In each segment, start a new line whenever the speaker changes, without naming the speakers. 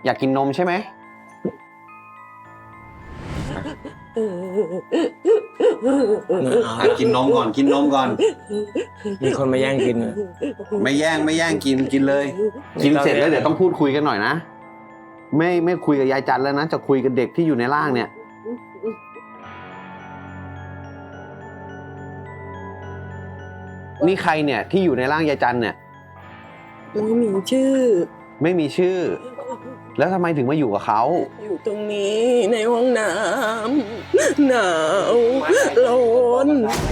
อยากกินนมใช่ไหมกินนมก่อนกินนมก่อน
มีคนมาแย่งกิน
ไม่แย่งกินเลยกินเสร็จแล้วเดี๋ยวต้องพูดคุยกันหน่อยนะไม่คุยกับยายจันแล้วนะจะคุยกับเด็กที่อยู่ในร่างเนี่ยนี่ใครเนี่ยที่อยู่ในร่างยายจันเนี่ย
ไม่มีชื่อ
ไม่มีชื่อแล้วทำไมถึงมาอยู่กับเขา
อยู่ตรงนี้ในห้องน้ำหนาวร้อน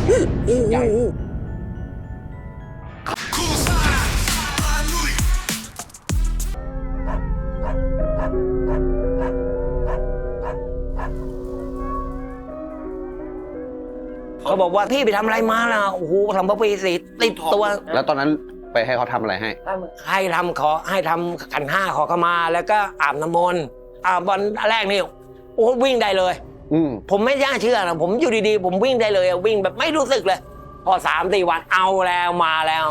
เขาบอกว่าพี่ไปทำอะไรมาล่ะโอ้โหทำพระปีสีติดตัว
แล้วตอนนั้นไปให้เขาทำอะไรให้
ทำขันห้าขอเข้ามาแล้วก็อาบน้ำมนต์วันแรกนี่โอ้วิ่งได้เลยผมไม่น่าเชื่อนะผมอยู่ดีๆผมวิ่งได้เลยวิ่งแบบไม่รู้สึกเลยพอ3-4 วันเอาแล้วมาแล้ว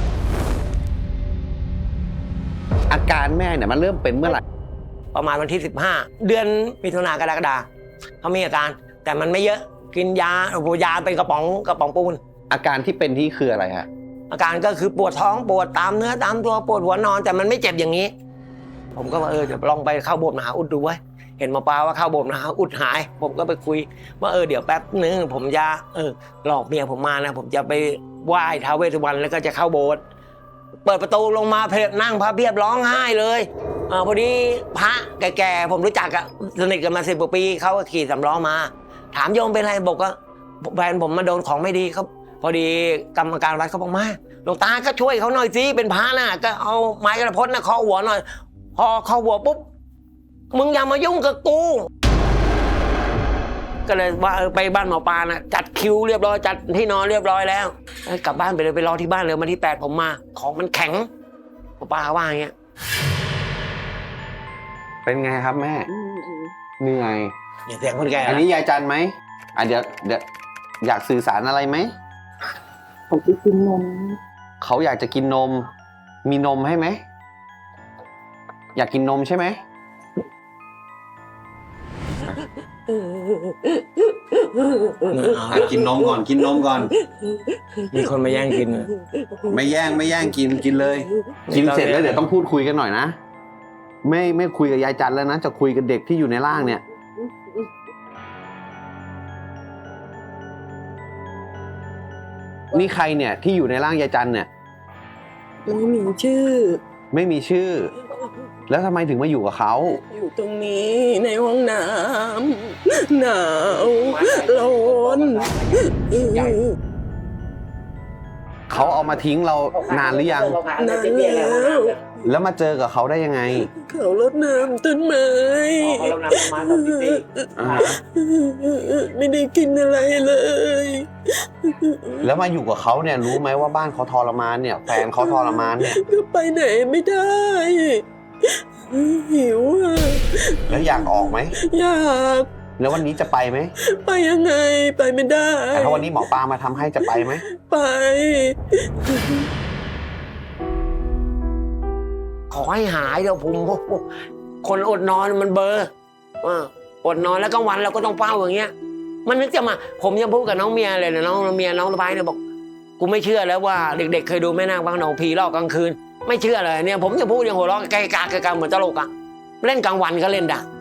อาการแม่เนี่ยมันเริ่มเป็นเมื่อไหร่
ประมาณวันที่15เดือนมิถุนายนกรกฎาคมเขามีอาการแต่มันไม่เยอะกินยาเป็นกระป๋องปูน
อาการที่เป็นที่คืออะไรฮะ
อาการก็คือปวดท้องปวดตามเนื้อตามตัวปวดหัวนอนแต่มันไม่เจ็บอย่างนี้ผมก็ว่าเดี๋ยวลองไปเข้าโบสถ์มหาอุดดูไว้เห็นหมอปลาว่าเข้าโบสถ์มหาอุดหายผมก็ไปคุยว่าเดี๋ยวแป๊บนึงผมจะหลอกเมียผมมานะผมจะไปไหว้ท้าวเวสสุวรรณแล้วก็จะเข้าโบสถ์เปิดประตูลงมานั่งพระเพียบร้องไห้เลยพอดีพระแก่ๆผมรู้จักสนิทกันมา10 กว่าปีเขาก็ขี่3 ล้อมาถามโยมเป็นไรบอกว่าแฟนผมมาโดนของไม่ดีเขาพอดีกรรมการวัดเขาบอกมาหลวงตาก็ช่วยเขาหน่อยสิเป็นพระน่ะก็เอาไม้กระพดน่ะเคาะหัวหน่อยพอเคาะหัวปุ๊บมึงอย่ามายุ่งกับกูก็เลยว่าไปบ้านหมอปลานะจัดคิวเรียบร้อยจัดที่นอนเรียบร้อยแล้วกลับบ้านไปเลยไปรอที่บ้านเลยวันที่8ผมมาของมันแข็งหมอปลาว่าอย่างเงี้ย
เป็นไงครับแม่เหนื่อย
เสียงคนแก่
อันนี้ยายจันไหมเดี๋ยวอยากสื่อสารอะไรไหม
เขาจะกินนม
เขาอยากจะกินนมมีนมให้ไหมอยากกินนมใช่ไหมกินนมก่อนกินนมก่อน
มีคนมาแย่งกิน
ไม่แย่งกินเลยกินเสร็จแล้วเดี๋ยวต้องพูดคุยกันหน่อยนะไม่คุยกับยายจันแล้วนะจะคุยกับเด็กที่อยู่ในร่างเนี่ยนี่ใครเนี่ยที่อยู่ในร่างยายจันเนี่ย
ไม่มีชื่อ
ไม่มีชื่อแล้วทำไมถึงมาอยู่กับเขา
อยู่ตรงนี้ในห้องน้ำหนาวร้อน
เขาเอามาทิ้งเรานานหรือยัง
นาน
แล้วมาเจอกับเขาได้ยังไง
เขารดน้ำต้นไม้ไม่ได้กินอะไรเลย
แล้วมาอยู่กับเขาเนี่ยรู้ไหมว่าบ้านเขาทรมานเนี่ยแฟนเขาทรมานเนี่ย
ก็ไปไหนไม่ได้หิว
แล้วอยากออกไหม
อยาก
แล้ววันนี้จะไปไหม
ไปยังไงไปไม่ได้
แต่ถ้าวันนี้หมอปลามาทำให้จะไปไหม
ไป
ขอให้หายเดี๋ยวผมคนอดนอนมันเบอร์อดนอนแล้วกลางวันเราก็ต้องเฝ้าอย่างเงี้ยมันนึกจะมาผมยังพูดกับน้องเมียเลยนะน้องเมียน้องสะพ้ายเนี่ยบอกกูไม่เชื่อแล้วว่าเด็กๆเคยดูแม่นางบางหนองผีหลอกกลางคืนไม่เชื่อเลยเนี่ยผมจะพูดยังหัวเราะไกลๆเหมือนตลกเล่นกลางวันก็เล่นด่า